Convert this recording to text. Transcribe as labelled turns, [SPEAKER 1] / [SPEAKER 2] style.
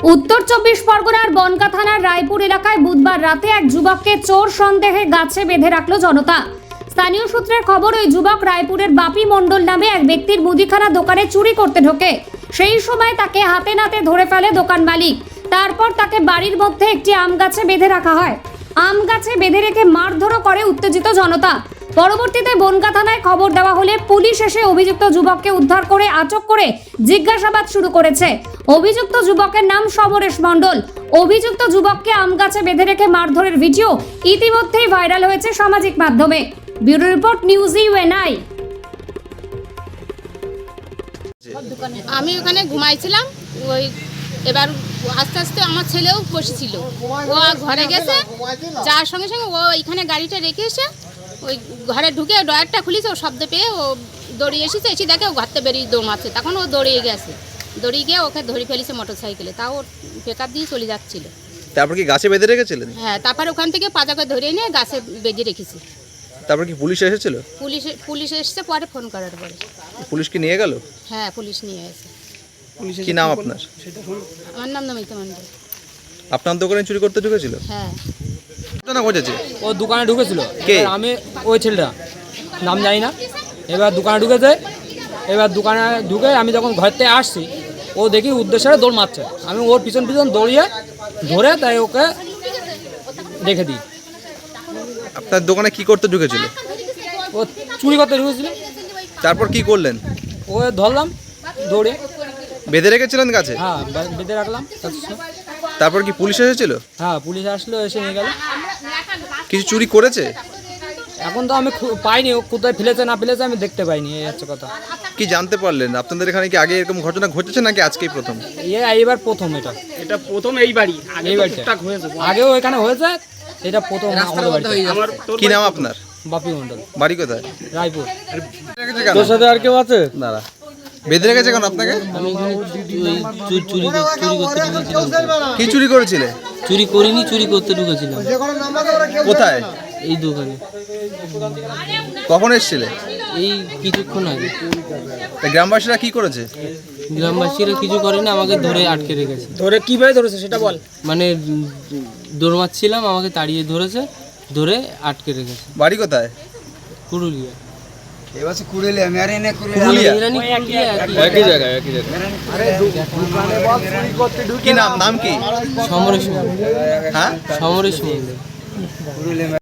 [SPEAKER 1] উত্তর 24 পরগনার বনগাঁ থানার রায়পুর এলাকায় বুধবার রাতে এক যুবককে চোর সন্দেহে গাছে বেঁধে রাখল জনতা। স্থানীয় সূত্রের খবর, ওই যুবক রায়পুরের বাপি মণ্ডল নামে এক ব্যক্তির মুদিখানা দোকানে চুরি করতে ঢোকে। সেই সময় তাকে হাতে নাতে ধরে ফেলে দোকান মালিক। তারপর তাকে বাড়ির মধ্যে একটি আম গাছে বেঁধে রাখা হয়। আম গাছে বেঁধে রেখে মারধরও করে উত্তেজিত জনতা। পরবর্তীতে বনগাঁ থানায় খবর দেওয়া হলে পুলিশ এসে অভিযুক্ত যুবককে উদ্ধার করে আটক করে জিজ্ঞাসাবাদ শুরু করেছে। অভিযুক্ত যুবকের নাম সমরেশ মণ্ডল। অভিযুক্ত যুবককে আম গাছে বেঁধে রেখে মারধরের ভিডিও ইতিমধ্যেই ভাইরাল হয়েছে সামাজিক মাধ্যমে। Bureau report, news UNI.
[SPEAKER 2] আমি ওখানে ঘুমাইছিলাম, ওই এবার আস্তে আস্তে আমার ছেলেও বসেছিল, ও ঘরে গেছে, যার সঙ্গে সঙ্গে ও এখানে গাড়িটা রেখে এসে ওই ঘরে ঢুকে ডয়ারটা খুলেছে, ও শব্দ পেয়ে ও দৌড়িয়ে এসেছে, এসে দেখে ও ঘরতে বেরিয়ে দৌড়াচ্ছে। তখন ও দৌড়িয়ে গেছে, দৌড়িয়ে গিয়ে ওকে ধরে ফেলেছে মোটর সাইকেলে, তাও পেকআপ দিয়ে চলে যাচ্ছিল।
[SPEAKER 3] তারপর কি গাছে বেঁধে রেখেছিলেন?
[SPEAKER 2] হ্যাঁ, তারপর ওখান থেকে পাজাকে ধরে নিয়ে গাছে বেঁধে রেখেছি।
[SPEAKER 3] তারপর কি পুলিশ এসেছিল?
[SPEAKER 2] পুলিশ এসেছে পরে, ফোন করার পরে।
[SPEAKER 3] পুলিশ কি নিয়ে গেল?
[SPEAKER 2] হ্যাঁ, পুলিশ নিয়ে এসে।
[SPEAKER 3] কি নাম আপনার?
[SPEAKER 2] আমার নাম নমিতা মণ্ডল।
[SPEAKER 3] আপনার দোকানে চুরি করতে ঢুকেছিল?
[SPEAKER 2] হ্যাঁ,
[SPEAKER 3] না ঘটেছে।
[SPEAKER 4] ও দোকানে ঢুকেছিল।
[SPEAKER 3] কে?
[SPEAKER 4] আমি ওই ছেলেটা, নাম জানি না। এবার দোকানে ঢুকেছে, এবার দোকানে ঢুকে আমি যখন ঘর থেকে আসছি, ও দেখি উদ্দেশ্যে দৌড় মারছে। আমি ওর পিছন পিছন দৌড়িয়ে ধরে তাই ওকে রেখে দিই।
[SPEAKER 3] আপনার দোকানে কি করতে ঢুকেছিল?
[SPEAKER 4] ও চুরি করতে ঢুকেছিল।
[SPEAKER 3] তারপর কি করলেন?
[SPEAKER 4] ও ধরলাম দৌড়ে।
[SPEAKER 3] বেঁধে রেখেছিলেন গাছে?
[SPEAKER 4] হ্যাঁ, বেঁধে রাখলাম।
[SPEAKER 3] তারপর কি পুলিশ এসেছিল?
[SPEAKER 4] হ্যাঁ, পুলিশ আসলো, এসে নিয়ে গেল।
[SPEAKER 3] কিছু চুরি করেছে?
[SPEAKER 4] এখন তো আমি পাইনি, ও কোথায় ফেলেছে না ফেলেছে আমি দেখতে পাইনি, এই হচ্ছে কথা।
[SPEAKER 3] কি জানতে পারলেন? আপনাদের এখানে কি আগে এরকম ঘটনা ঘটেছে নাকি আজকেই প্রথম?
[SPEAKER 4] এইবার প্রথম।
[SPEAKER 5] এটা প্রথম এই বাড়ি,
[SPEAKER 4] এই বাড়িটা আগেও এখানে হয়েছে, এটা প্রথম আমাদের বাড়িতে।
[SPEAKER 3] কি নাম আপনার?
[SPEAKER 4] বাপি মণ্ডল।
[SPEAKER 3] বাড়ি কোথায়?
[SPEAKER 4] রায়পুর।
[SPEAKER 3] তোর
[SPEAKER 4] সাথে আর কেউ আছে?
[SPEAKER 3] দাঁড়া, বেঁধে রেখেছে কেন আপনাকে?
[SPEAKER 6] আমি এখানে চুরি করতে ঢুকেছিলাম।
[SPEAKER 3] কি চুরি করেছিলে?
[SPEAKER 6] চুরি করিনি, চুরি করতে ঢুকেছিলাম।
[SPEAKER 3] কোথায়?
[SPEAKER 6] এই দোকানে।
[SPEAKER 3] কখন এসেছিলে?
[SPEAKER 6] এই কিছুক্ষণ আগে।
[SPEAKER 3] তা গ্রামবাসীরা কি করেছে?
[SPEAKER 6] গ্রামবাসীরা কিছু করেনি, আমাকে ধরে আটকে রেখেছে।
[SPEAKER 5] ধরে কিভাবে ধরেছে সেটা বল।
[SPEAKER 6] মানে দৌড় মারছিলাম, আমাকে তাড়িয়ে ধরেছে, ধরে আটকে রেখেছে।
[SPEAKER 3] বাড়ি কোথায়?
[SPEAKER 6] পুরুলিয়া।
[SPEAKER 4] একই জায়গায়।
[SPEAKER 3] কি নাম কি?
[SPEAKER 6] সমরেশ মন্ডল।
[SPEAKER 3] হ্যাঁ,
[SPEAKER 6] সমরেশ মন্ডল।